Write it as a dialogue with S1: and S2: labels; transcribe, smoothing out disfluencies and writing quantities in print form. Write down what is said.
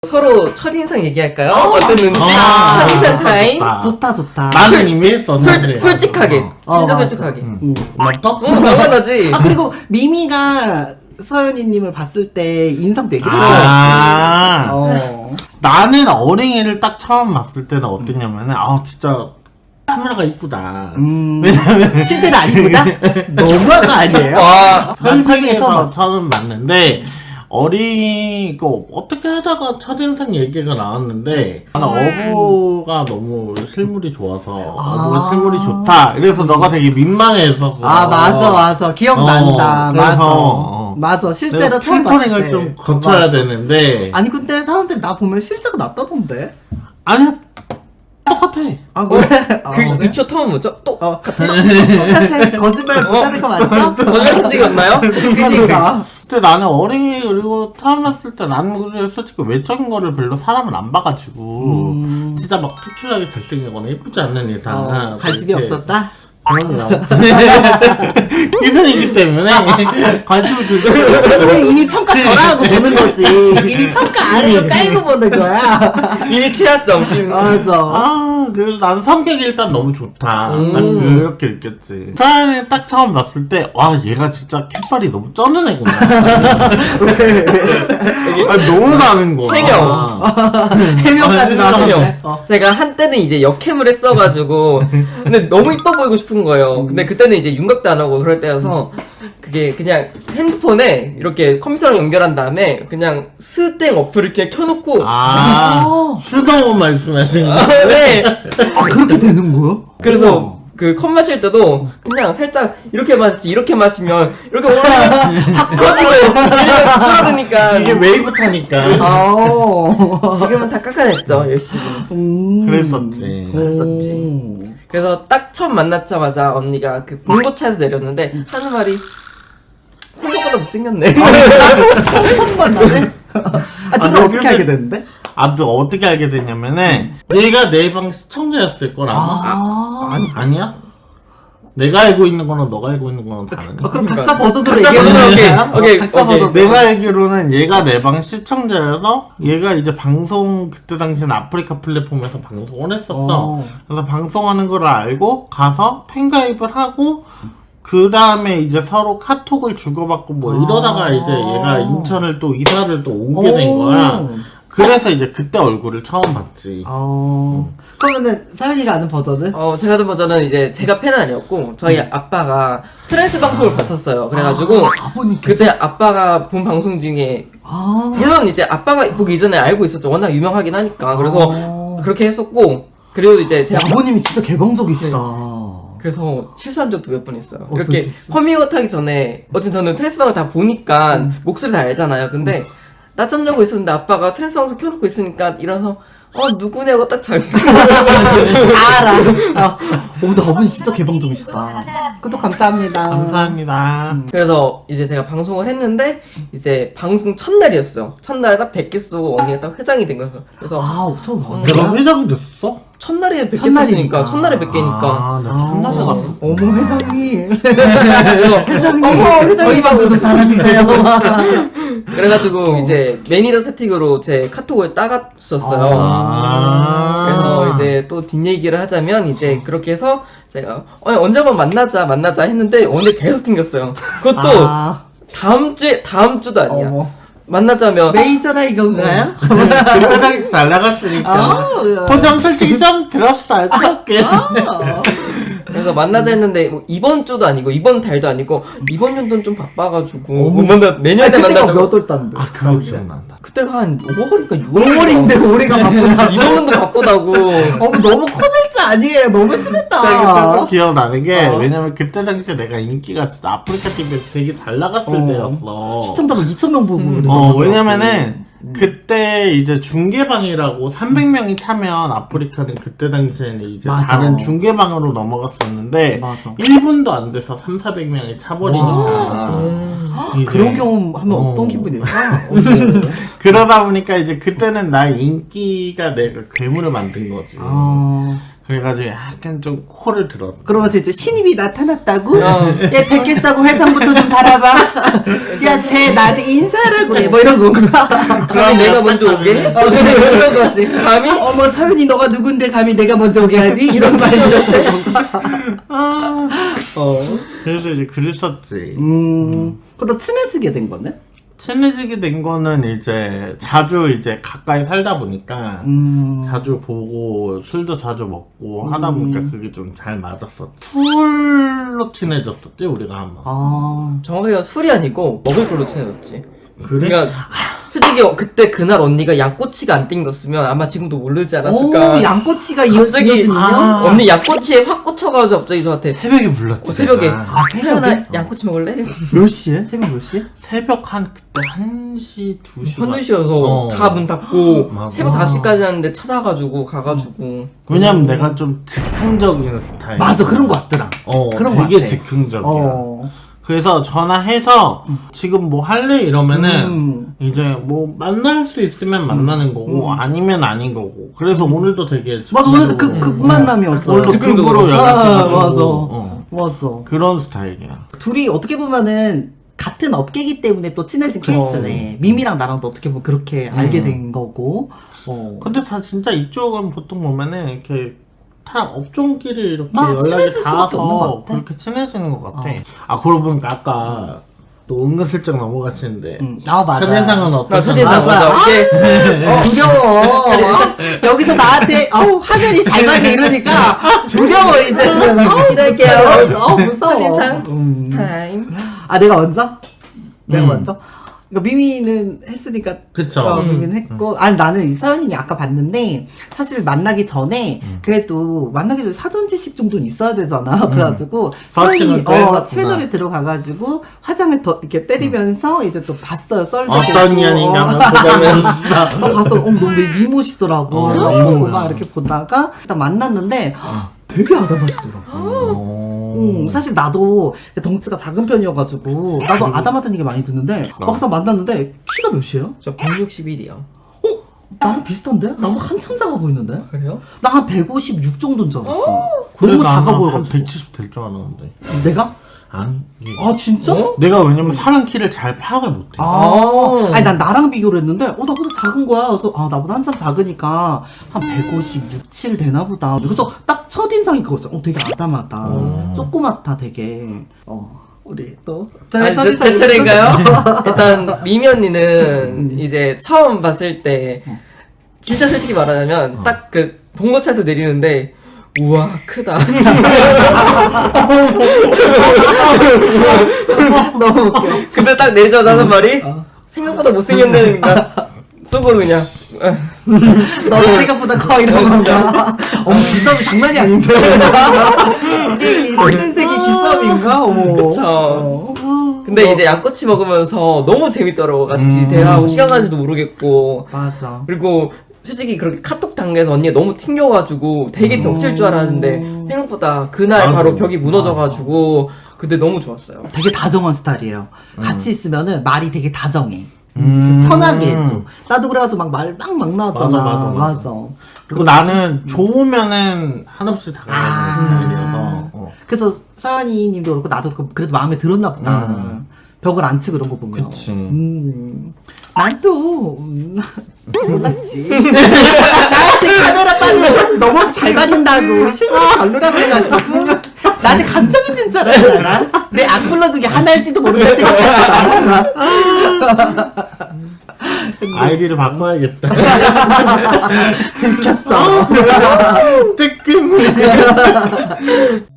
S1: 서로 첫인상 얘기할까요? 어땠는지. 첫인상 타임.
S2: 좋다.
S3: 나는 이미 했어. 사실.
S1: 솔직하게. 진짜
S2: 맞아.
S1: 솔직하게.
S3: 맞다?
S1: 당연하지.
S2: 아 그리고 미미가 서연이님을 봤을 때 인상 되게 좋았지.
S3: 나는 어린이를 딱 처음 봤을 때는 어땠냐면은 진짜 카메라가 이쁘다.
S2: 실제는 아니구나. 너무한 거 아니에요?
S1: 와.
S3: 설상에서 처음 봤는데 어린이고 어떻게 하다가 첫인상 얘기가 나왔는데 나는 어부가 너무 실물이 좋아서 어부 실물이 좋다. 그래서 너가 되게 민망해했었어.
S2: 맞아. 기억난다.
S3: 그래서,
S2: 맞아. 실제로 처음 봤을 때.
S3: 템퍼링을 좀 거쳐야 되는데.
S2: 아니 근데 사람들이 나 보면 실제가 낫다던데.
S3: 아니야. 똑같아.
S2: 아 그래?
S1: 그 2초 텀은 뭐죠?
S2: 똑같아. 거짓말 못하는 거 맞죠?
S1: 거짓말 적이 없나요?
S2: 그니까.
S3: 근데 나는 어린이 그리고 처음 봤을 때 나는 솔직히 외적인 거를 별로 사람을 안 봐가지고 진짜 막 특출나게 잘생기거나 예쁘지 않는 이상
S2: 관심이 없었다?
S3: 그럼요. 기선이기 때문에 관심을 들고
S2: 이미 평가 전화하고 보는 거지. 이미 평가 아래로 깔고 보는 거야.
S1: 이미 최하점.
S2: 맞아.
S3: 그래서 나는 성격이 일단 너무 좋다. 난 그렇게 느꼈지. 사연을 딱 처음 봤을 때, 얘가 진짜 캣발이 너무 쩌는 애구나. 너무 다른 거야.
S2: 해명까지 나왔네.
S1: 제가 한때는 이제 역캠을 했어가지고 근데 너무 이뻐 보이고 싶은 거예요. 근데 그때는 이제 윤곽도 안 하고 그럴 때여서 그게 그냥 핸드폰에 이렇게 컴퓨터랑 연결한 다음에 그냥 스땡 어플을 이렇게 켜놓고
S3: 수동원 말씀하시는 거.
S1: 네.
S2: 그렇게 되는 거야?
S1: 그래서 그 컵 마실 때도 그냥 살짝 이렇게 마시지 이렇게 마시면 이렇게 올라가면 확 퍼지고 끌어드니까
S3: 이게 웨이브 타니까.
S1: 지금은 다 깎아냈죠 열심히.
S3: 그랬었지.
S1: 그래서 딱 처음 만났자마자 언니가 그 봉고차에서 내렸는데 하는 말이 생각보다 못생겼네.
S2: 처음만 나네? 누나 어떻게 알게 됐는데?
S3: 어떻게 알게 됐냐면은 얘가 내 방 시청자였을 거라. 아니야? 내가 알고 있는 거랑 너가 알고 있는 거랑 다르네.
S2: 그럼 각자 버전으로
S1: 각자
S2: 얘기해보는
S1: 버전으로,
S2: 거야?
S1: 오케이.
S2: 각자 버전으로.
S3: 내가 알기로는 얘가 내 방 시청자여서 얘가 이제 방송 그때 당시엔 아프리카 플랫폼에서 방송을 했었어. 그래서 방송하는 걸 알고 가서 팬가입을 하고 그 다음에 이제 서로 카톡을 주고받고 뭐 이러다가 이제 얘가 인천을 또 이사를 또 오게 된 거야. 그래서 이제 그때 얼굴을 처음 봤지.
S2: 그러면은 서연이가 아는 버전은?
S1: 제가 든 버전은 이제 제가 팬은 아니었고 저희 아빠가 트랜스 방송을 봤었어요. 그래가지고
S2: 아버님께서?
S1: 그때 아빠가 본 방송 중에 물론 이제 아빠가 보기 이전에 알고 있었죠. 워낙 유명하긴 하니까. 그래서 그렇게 했었고 그리고 이제 제
S2: 아버님이 진짜 개방적이시다.
S1: 그래서 실수한 적도 몇 번 있어요.
S2: 어떤
S1: 이렇게
S2: 실수?
S1: 커밍아웃 하기 전에 어쨌든 저는 트랜스 방을 다 보니까 목소리 다 알잖아요. 근데 낮잠 자고 있었는데 아빠가 트랜스 방송 켜놓고 있으니까 일어나서 누구냐고 딱 자기
S2: 알아. 근데 아버님 진짜 개방적이시다. 구독 감사합니다.
S3: 감사합니다.
S1: 그래서 이제 제가 방송을 했는데 이제 방송 첫날이었어요. 첫날에 딱 100개 쏘고 언니가 딱 회장이 된 거예요. 그래서
S2: 처음 봤네.
S3: 내가 회장이 됐어?
S1: 첫날에 100개
S2: 첫날이니까.
S1: 쐈으니까 첫날에 100개니까
S3: 나 첫날에 갔어.
S2: 어머 회장님.
S1: 회장님
S2: 어머 저희 방도 좀 달아주세요.
S1: 그래가지고 이제 매니저 세팅으로 제 카톡을 따갔었어요. 그래서 이제 또 뒷얘기를 하자면 이제 그렇게 해서 제가 언제 한번 만나자 했는데 언제 계속 튕겼어요. 그것도 다음 주도 아니야.
S2: 어머.
S1: 만나자면
S2: 메이저라 이건가요?
S3: 그때 당시 잘 나갔으니까. 포장 솔직히 좀 들었어. 알게.
S1: 그래서 만나자 했는데 뭐 이번 주도 아니고 이번 달도 아니고 이번 연도는 좀 바빠가지고 못 만나 내년에
S2: 그때가
S1: 만나자고.
S2: 몇 월 단데?
S3: 그거 기억난다.
S1: 그때가 한 5월인가 6월
S2: 5월인데 올해가 바쁘다.
S1: 이번 연도 바쁘다고.
S2: 너무 코넬자 아니에요. 너무
S3: 그때
S2: 심했다.
S3: 좀 기억나는 게 왜냐면 그때 당시에 내가 인기가 진짜 아프리카 TV에서 되게 잘 나갔을 때였어.
S2: 시청자가 2,000명 보고 그러더라고요.
S3: 왜냐면은 그때 이제 중계방이라고 300명이 차면 아프리카는 그때 당시에는 이제
S2: 맞아.
S3: 다른 중계방으로 넘어갔었는데
S2: 맞아.
S3: 1분도 안 돼서 3,400명이 차버리니까 이제
S2: 그런 경험 하면 어떤 기분일까?
S3: 그러다 보니까 이제 그때는 나의 인기가 내가 괴물을 만든 거지. 그래가지고 약간 좀 코를 들었어.
S2: 그러면서 이제 신입이 나타났다고?
S1: 어.
S2: 야, 100개 싸고 회장부터 좀 달아봐. 야, 쟤 나한테 인사하라고 그래. 뭐 이런 건가?
S1: 감히 내가 먼저 오게?
S2: 그래, 그런 거지.
S1: 감히?
S2: 어머, 서윤이 너가 누군데 감히 내가 먼저 오게 하니? 이런 말이었어.
S3: 그래서 이제 그랬었지.
S2: 그러다 친해지게 된 거네?
S3: 친해지게 된 거는 이제 자주 이제 가까이 살다 보니까 자주 보고 술도 자주 먹고 하다 보니까 그게 좀 잘 맞았었지. 술로 친해졌었지 우리가 한번.
S1: 정확하게 술이 아니고 먹을 걸로 친해졌지.
S3: 그래?
S1: 그러니까 솔직히 그때 그날 언니가 양꼬치가 안 땡겼으면 아마 지금도 모르지 않았을까.
S2: 오, 양꼬치가
S1: 갑자기
S2: 이어지는요?
S1: 언니 양꼬치에 확 꽂혀가지고 갑자기 저한테
S3: 새벽에 불렀지.
S1: 새벽에
S3: 내가.
S2: 새벽에?
S1: 태연아 양꼬치 먹을래?
S2: 몇 시에? 새벽 몇 시에?
S3: 새벽 한 그때 1시 2시
S1: 현두시여서 다 문 닫고
S3: 맞아.
S1: 새벽 5시까지 하는데 찾아가지고 가가지고
S3: 왜냐면 내가 좀 즉흥적인 스타일.
S2: 맞아, 그런 거 같더라. 그런 거
S3: 되게
S2: 같아.
S3: 즉흥적이야. 그래서 전화해서 지금 뭐 할래 이러면은 이제 뭐 만날 수 있으면 만나는 거고 아니면 아닌 거고. 그래서 오늘도 되게
S2: 맞아, 오늘도 그 만남이었어.
S3: 오늘도 급으로 연락해가지고
S2: 맞아. 맞아.
S3: 그런 스타일이야.
S2: 둘이 어떻게 보면은 같은 업계이기 때문에 또 친해진 케이스네. 미미랑 나랑도 어떻게 보면 그렇게 알게 된 거고.
S3: 근데 다 진짜 이쪽은 보통 보면은 이렇게 다 업종끼리 이렇게
S2: 맞아,
S3: 연락이
S2: 친해질 수밖에 없는 것
S3: 닿아서
S2: 같아.
S3: 그렇게 친해지는 것 같아. 그러고 보니까 아까 또 은근슬쩍 넘어가시는데
S2: 맞아.
S3: 첫인상은 어떠세요?
S1: 첫인상 맞아. 이게
S2: 두려워. 여기서 나한테 화면이 잘 맞네 이러니까 두려워 이제.
S1: 이럴게요.
S2: 무서워.
S1: 첫인상 타임.
S2: 내가 먼저? 내가 먼저? 그러니까 미미는 했으니까
S3: 그쵸.
S2: 미미는 했고 아니 나는 이 서연이니 아까 봤는데 사실 만나기 전에 그래도 만나기 전에 사전 지식 정도는 있어야 되잖아. 그래가지고 서연이
S3: 서치는 또
S2: 채널에 들어가가지고 화장을 더 이렇게 때리면서 이제 또 봤어요. 썰도
S3: 어떤
S2: 보고.
S3: 년인가 한번 보자면서
S2: 봤어. 너무 미모시더라고. 보고 막 이렇게 보다가 일단 만났는데 되게 아담하시더라고. 사실 나도 덩치가 작은 편이어가지고 나도 아담하다는 얘기 많이 듣는데 막상 만났는데 키가 몇이에요?
S1: 저 161이요.
S2: 나랑 비슷한데? 나보다 한참 작아 보이는데?
S1: 그래요?
S2: 나 한 156 정도인 줄 알았어.
S3: 그래,
S2: 너무
S3: 나
S2: 작아
S3: 한
S2: 보여가지고.
S3: 170 될 줄 알았는데.
S2: 내가?
S3: 아니.
S2: 진짜?
S3: 내가 왜냐면 사람 키를 잘 파악을 못해.
S2: 아니 난 나랑 비교를 했는데 나보다 작은 거야. 그래서 나보다 한참 작으니까 한 156, 7 되나 보다. 그래서 딱 첫인상이 그거였어. 되게 아담하다. 조그맣다 되게. 우리 또
S1: 아니, 제
S2: 첫인상이
S1: 차례인가요? 일단 미미 언니는 이제 처음 봤을 때 진짜 솔직히 말하자면 딱 그 봉고차에서 내리는데 우와 크다.
S2: 너무 웃겨.
S1: 근데 딱 내리자마자 하는 말이 생각보다 못생겼네. 그러니까 속으로 그냥
S2: 너 생각보다 커 이런 건가? 기싸움이 장난이 아닌데. 이게 흰색이 기싸움인가?
S1: 그쵸. 근데 이제 양꼬치 먹으면서 너무 재밌더라고. 같이 대화하고 시간 가는지도 모르겠고.
S2: 맞아.
S1: 그리고 솔직히 그렇게 카톡 단계에서 언니가 너무 튕겨가지고 되게 벽칠 줄 알았는데 생각보다 그날
S3: 맞아.
S1: 바로 벽이 무너져가지고 근데 너무 좋았어요.
S2: 되게 다정한 스타일이에요. 같이 있으면은 말이 되게 다정해. 편하게 해줘. 나도 그래가지고 막 나왔잖아.
S3: 맞아. 그리고 나는 좋으면은 한없이 다가가는 스타일이어서.
S2: 그래서 서연이 님도 그렇고 나도 그렇고 그래도 마음에 들었나 보다. 벽을 안 치고 이런 거 보면.
S3: 그치.
S2: 난 또 몰랐지. 나한테 카메라 빨리 너무 잘 받는다고 실물 별로라고 해가지고 나한테 감정 있는 줄 알았잖아. 내 악플러 중에 하나일지도 모르겠어.
S3: 아이디를 바꿔야겠다.
S2: 들켰어.
S3: 뜨끔.